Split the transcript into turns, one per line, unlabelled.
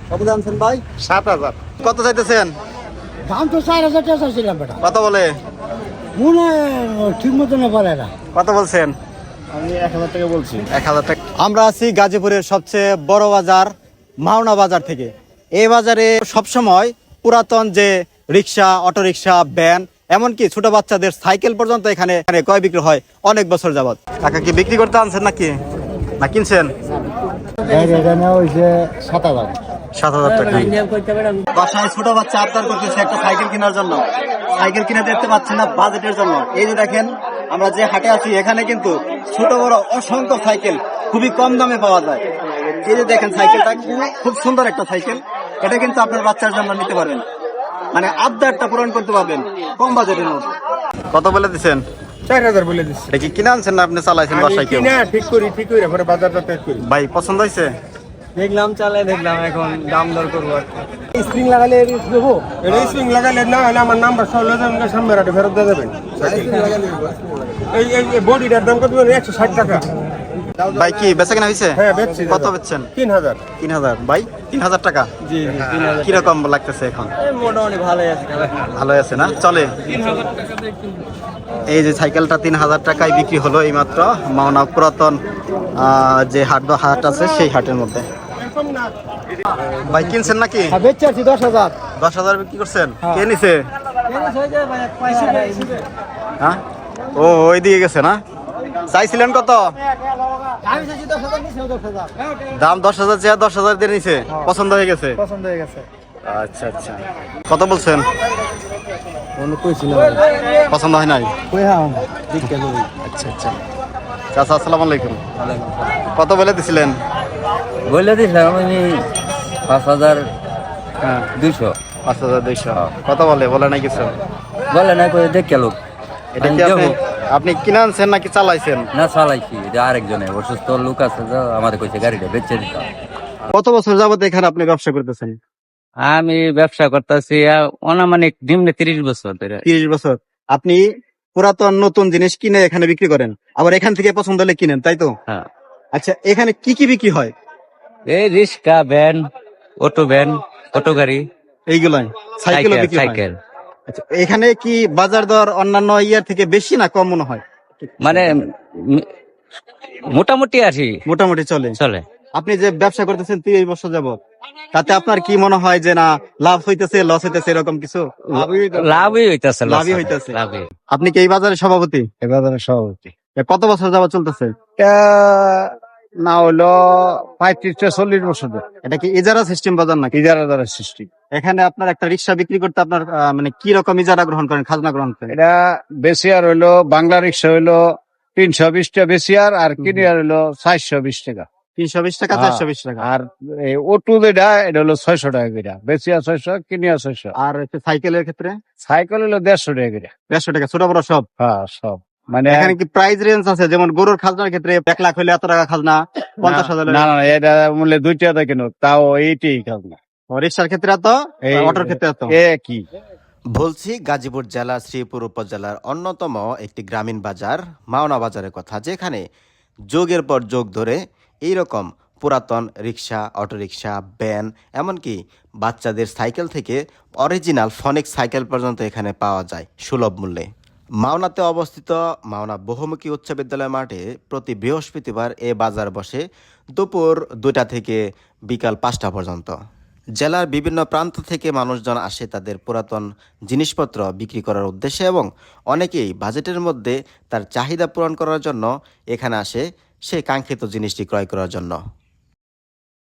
কত জানছেন ভাই?
7,000।
কত চাইতেছেন?
দাম তো 4,000 টাকা চাইছিলাম বেটা।
কত বলে?
মনে ঠিক মতো না বলে না।
কত বলছেন?
আমি 1,000 টাকা বলছি।
1,000 টাকা। আমরা আছি গাজীপুরের সবচেয়ে বড় বাজার মাওনা বাজার থেকে। এই বাজারে সবসময় পুরাতন যে রিক্সা, অটোরিক্সা, ভ্যান, এমনকি ছোট বাচ্চাদের সাইকেল পর্যন্ত এখানে ক্রয় বিক্রি হয় অনেক বছর যাবত। টাকা কি বিক্রি করতে আনছেন নাকি না কিনছেন?
এখানে হইছে 7,000।
7,000 টাকা। বাসায় ছোট বাচ্চা আবদার করতেছে একটা সাইকেল কেনার জন্য। সাইকেল কিনে দেখতে পাচ্ছেন না বাজেটের জন্য। এই যে দেখেন আমরা যে হাটে আছি এখানে কিন্তু ছোট বড় অসংখ্য সাইকেল খুবই কম দামে পাওয়া যায়। এই যে দেখেন সাইকেলটা খুব সুন্দর একটা সাইকেল। এটা কিন্তু আপনার বাচ্চার জন্য নিতে পারবেন, মানে আবদারটা পূরণ করতে পারবেন কম বাজেটের মধ্যে। কত বলে দিচ্ছেন?
4,000 বলে দিচ্ছি।
এটা কি কিনে আনছেন না আপনি চালাইছেন বাসায় কেউ?
কিনা ঠিক করি পরে বাজারটা ঠিক করি।
ভাই পছন্দ হয়েছে?
দেখলাম, চালাই দেখলাম, এখন দাম দর করবো।
স্প্রিং লাগালে দেবো।
এটা স্প্রিং লাগাইলে না হলে আমার নাম্বার সহ সামনে রাখে ফেরত দিয়ে দেবেন। এই বডিটার দাম কত? 160 টাকা।
ভাই কি বেচা কেনা হয়েছে?
হ্যাঁ বেচছি।
কত বেচছেন?
3,000।
3,000। ভাই 3,000 টাকা
জি জি, 3,000।
কিরকম লাগতেছে এখন?
মোটামুটি ভালোই আছে।
ভালো আছে না? চলে। এই যে সাইকেলটা 3,000 টাকায় বিক্রি হলো এই মাত্র মাওনা পুরাতন যে হাট আছে সেই হাটের মধ্যে। ভাই কিনছেন নাকি?
বেচে আছি 10,000।
10,000 বিক্রি করছেন? কে নিছে? হ্যাঁ, ও ওই দিয়ে গেছে না? চাইছিলেন কত?
আমি চাইছি 10,000, নিছে 10,000।
দাম 10,000 চেয়ে 10,000 দিয়ে নিছে। পছন্দ হয়ে গেছে?
পছন্দ হয়ে গেছে।
আচ্ছা আচ্ছা। কত বলছেন?
কোনো কইছি না।
পছন্দ হয় নাই?
কই হাম দেখতে লই।
আচ্ছা আচ্ছা। চাচা আসসালামু আলাইকুম। কত বলে দিছিলেন?
বলে দিছিলাম আমি 5,200।
হ্যাঁ 5,200। কত বলে নাই কিছু?
বলে না, করে দেখে লোক।
এটা কি আপনি কিনে আনছেন নাকি চালাইছেন?
না, চালাইছি। এটা আরেকজনে অসুস্থ লোক আছে, তো আমাদের কইছে গাড়িটা বেচে দিতাম।
কত বছর যাবত এখানে আপনি ব্যবসা করতেছেন?
আমি ব্যবসা করতেছি অনামানিক নিম্নে 30 বছর ধরে।
30 বছর। আপনি পুরাতন নতুন জিনিস কিনে এখানে বিক্রি করেন, আবার এখান থেকে পছন্দ হলে কিনেন, তাই তো?
হ্যাঁ।
আচ্ছা, এখানে কি কি বিক্রি হয়?
এই রিক্সা, ভ্যান, অটো গাড়ি,
এইগুলাই সাইকেলও বিক্রি হয়?
সাইকেল।
আচ্ছা, এখানে কি বাজার দর অন্যান্য ইয়ার থেকে বেশি না কম মনে হয়?
মানে মোটামুটি আছি,
মোটামুটি চলে।
চলে।
আপনি যে ব্যবসা করতেছেন 30 বছর যাবত, তাতে আপনার কি মনে হয় যে না লাভ হইতেছে, লস হইতেছে, এরকম কিছু?
লাভই হইতাছে,
লাভই হইতাছে।
লাভই।
আপনি কি এই বাজারের সভাপতি?
এই বাজারের সভাপতি।
কত বছর যাবত চলতেছে?
না হলো 35-40 বছর।
এটা কি ইজারা সিস্টেম বাজার নাকি?
ইজারা দ্বারা সৃষ্টি।
এখানে আপনার একটা রিক্সা বিক্রি করতে আপনার মানে কি রকম ইজারা গ্রহণ করেন, খাজনা গ্রহণ করেন?
এটা বেশিয়ার হইলো বাংলা রিক্সা হইলো 320 টাকা বেশিয়ার, আর কিনিয়ার হইলো 420 টাকা।
320 টাকা, 420 টাকা।
আর এই অটো যেটা এটা হলো 600 টাকা করে। বেশিয়া 600, কিনিয়া 600।
আর সাইকেলের ক্ষেত্রে
সাইকেল হইলো 150 টাকা করে।
150 টাকা, ছোট বড় সব?
হ্যাঁ সব। মানে
এখানে কি প্রাইস রেঞ্জ আছে? যেমন গরুর খাজনার ক্ষেত্রে 1 লাখ হলে এত টাকা খাজনা, 50,000
না না, এটা মূল্যে 2 টাকা কেন, তাও এইটাই খাজনা।
রিক্সার ক্ষেত্রে এত, অটোর ক্ষেত্রে এত।
কি
বলছি গাজীপুর জেলা শ্রীপুর উপজেলার অন্যতম একটি গ্রামীণ বাজার মাওনা বাজারের কথা, যেখানে যুগের পর যুগ ধরে এইরকম পুরাতন রিক্সা, অটোরিক্সা, ভ্যান, এমনকি বাচ্চাদের সাইকেল থেকে অরিজিনাল ফনিক সাইকেল পর্যন্ত এখানে পাওয়া যায় সুলভ মূল্যে। মাওনাতে অবস্থিত মাওনা বহুমুখী উচ্চ বিদ্যালয় মাঠে প্রতি বৃহস্পতিবার এ বাজার বসে দুপুর 2টা থেকে বিকাল 5টা পর্যন্ত। জেলার বিভিন্ন প্রান্ত থেকে মানুষজন আসে তাদের পুরাতন জিনিসপত্র বিক্রি করার উদ্দেশ্যে, এবং অনেকেই বাজেটের মধ্যে তার চাহিদা পূরণ করার জন্য এখানে আসে সেই কাঙ্ক্ষিত জিনিসটি ক্রয় করার জন্য।